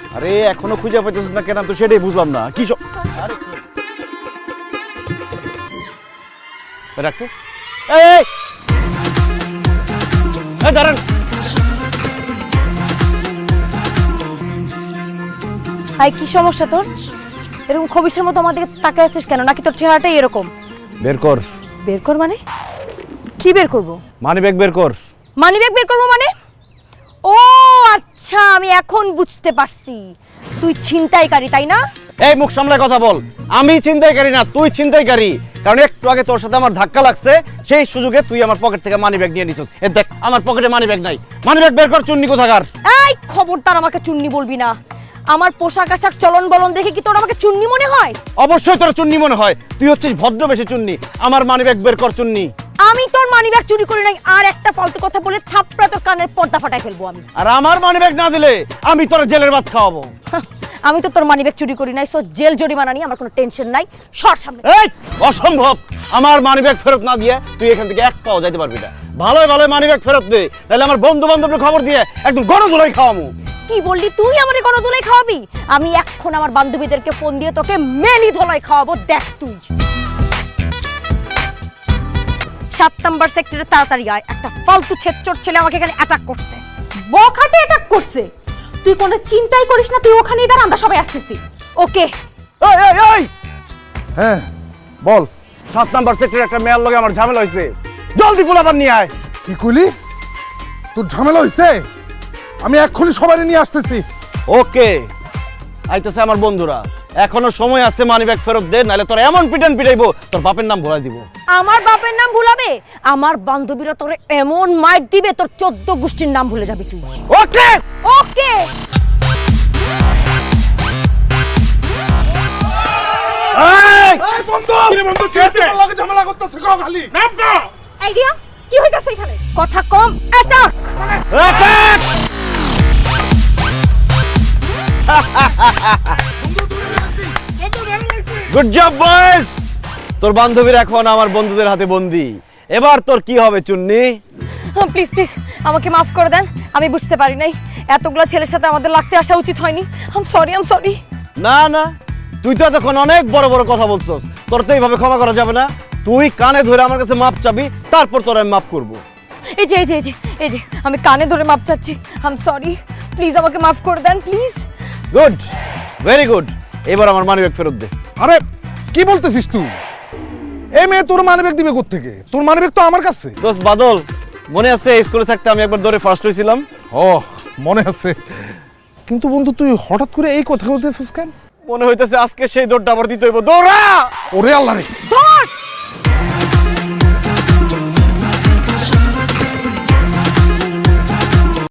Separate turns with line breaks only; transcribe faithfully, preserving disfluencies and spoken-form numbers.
আরে এখনো খুঁজে পাইতেছিস না কেন তো সেটাই বুঝলাম না কি সব আরে রাখতো এই এই দাঁড়ান
হাই কি সমস্যা তোর এরকম খবিসের মতো আমাদেরকে তাকায় আছিস কেন নাকি তোর চেহারাটাই এরকম
বের কর
বের কর মানে কি বের করব
মানি ব্যাগ বের কর
মানি ব্যাগ বের করব মানে ও আচ্ছা আমি এখন বুঝতে পারছি তুই ছিনতাইকারী তাই না
এই মুখ সামলায় কথা বল আমি ছিনতাইকারী না তুই ছিনতাইকারী কারণ একটু আগে তোর সাথে আমার ধাক্কা লাগছে সেই সুযোগে তুই আমার পকেট থেকে মানি ব্যাগ নিয়ে নিছিস এ দেখ আমার পকেটে মানি ব্যাগ নাই মানি ব্যাগ বের কর চুন্নি কোথাকার
এই খবরদার আমাকে চুন্নি বলবি না আমার পোশাক আশাক চলন বলন দেখে কি তোর আমাকে চুন্নি মনে হয়
অবশ্যই তোর চুন্নি মনে হয় তুই হচ্ছিস ভদ্রবেশী চুন্নি আমার মানি ব্যাগ বের কর চুন্নি
আমি তোর মানি ব্যাগ চুরি করি নাই আর একটা ফালতু কথা বলে থাপড়া তোর কানের পর্দা ফাটাই ফেলবো আমি
আর আমার মানি ব্যাগ না দিলে আমি তোর জেলের ভাত খাওয়াবো
হাহ, আমি তো তোর মানি ব্যাগ চুরি করি নাই সো জেল জরিমানা নিয়ে আমার কোনো টেনশন নাই সর সামনে
এই অসম্ভব আমার মানি ব্যাগ ফেরত না দিয়ে তুই এখান থেকে এক পাও যাইতে পারবি না ভালোই ভালোই মানি ব্যাগ ফেরত দে তাহলে আমার বন্ধু বান্ধবদের খবর দিয়ে একদম গণধোলাই খাওয়ামু
কি বললি তুই আমারে কোনো ধুলাই খাওয়াবি আমি এখন আমার বান্ধবীদেরকে ফোন দিয়ে তোকে মেলি ধোলাই খাওয়াবো দেখ তুই সাত নাম্বার সেক্টরে তাড়াতাড়ি আয় একটা ফালতু ছেচ্চর ছেলে আমাকে এখানে অ্যাটাক করছে
বখাটে অ্যাটাক করছে তুই কোনো চিন্তাই করিস না তুই ওখানেই দাঁড়া আমরা সবাই আসতেছি
ওকে
এই এই এই
হ্যাঁ বল
সাত নাম্বার সেক্টরে একটা মেয়ের লগে আমার ঝামেলা হইছে জলদি পোলাপান নিয়ে আয়
কি কইলি তোর ঝামেলা হইছে আমি এক্ষুনি সবাই নিয়ে আসতেছি
ওকে আইতেছে আমার বন্ধুরা এখনো সময় আছে মানি ব্যাগ ফেরত দে নাহলে তোর এমন পিটান পিটাইবো তোর বাপের নাম ভুলাই দিব
আমার বাপের নাম ভুলাবে আমার বান্ধবীরা তোরে এমন মাইর দিবে তোর চোদ্দ গোষ্ঠীর নাম ভুলে যাবি তুই
ওকে
ওকে
এই
এই বন্ধু
কিরে বন্ধু, কি হইছে?
তোর লগে ঝামেলা করতেছে কও খালি
আইডিয়া কি হইতাছে এখানে
কথা কম attack
attack good job boys তোর বান্ধবীর এখন আমার বন্ধুদের হাতে বন্দি এবার তোর কি হবে চুন্নি
প্লিজ প্লিজ আমাকে মাফ করে দেন আমি বুঝতে পারি নাই এতগুলো ছেলের সাথে আমাদের লাগতে আসা উচিত হয়নি আম সরি আম সরি
না না তুই তো এতক্ষণ অনেক বড় বড় কথা বলছস তোর তো এইভাবে ক্ষমা করা যাবে না তুই কানে ধরে আমার কাছে মাপ চাবি তারপর তোর আমি মাফ করবো
এই যে এই যে এই যে এই যে আমি কানে ধরে মাপ চাচ্ছি আম সরি প্লিজ আমাকে মাফ করে দেন প্লিজ
গুড ভেরি গুড এবার আমার মানি ব্যাগ ফেরত দে
আরে কি বলতেছিস তুই এই মেয়ে তোর মানিব্যাগ দিবে কোত্থেকে তোর মানিব্যাগ তো আমার কাছে
দোস্ত বাদল মনে আছে স্কুলে থাকতে আমি একবার দৌড়ে ফার্স্ট হয়েছিলাম
ও মনে আছে কিন্তু বন্ধু তুই হঠাৎ করে এই কথা বলতেছিস কেন
মনে হইতেছে আজকে সেই দৌড়টা আবার দিতে হইব দৌড়া
ওরে আল্লাহ রে
ধর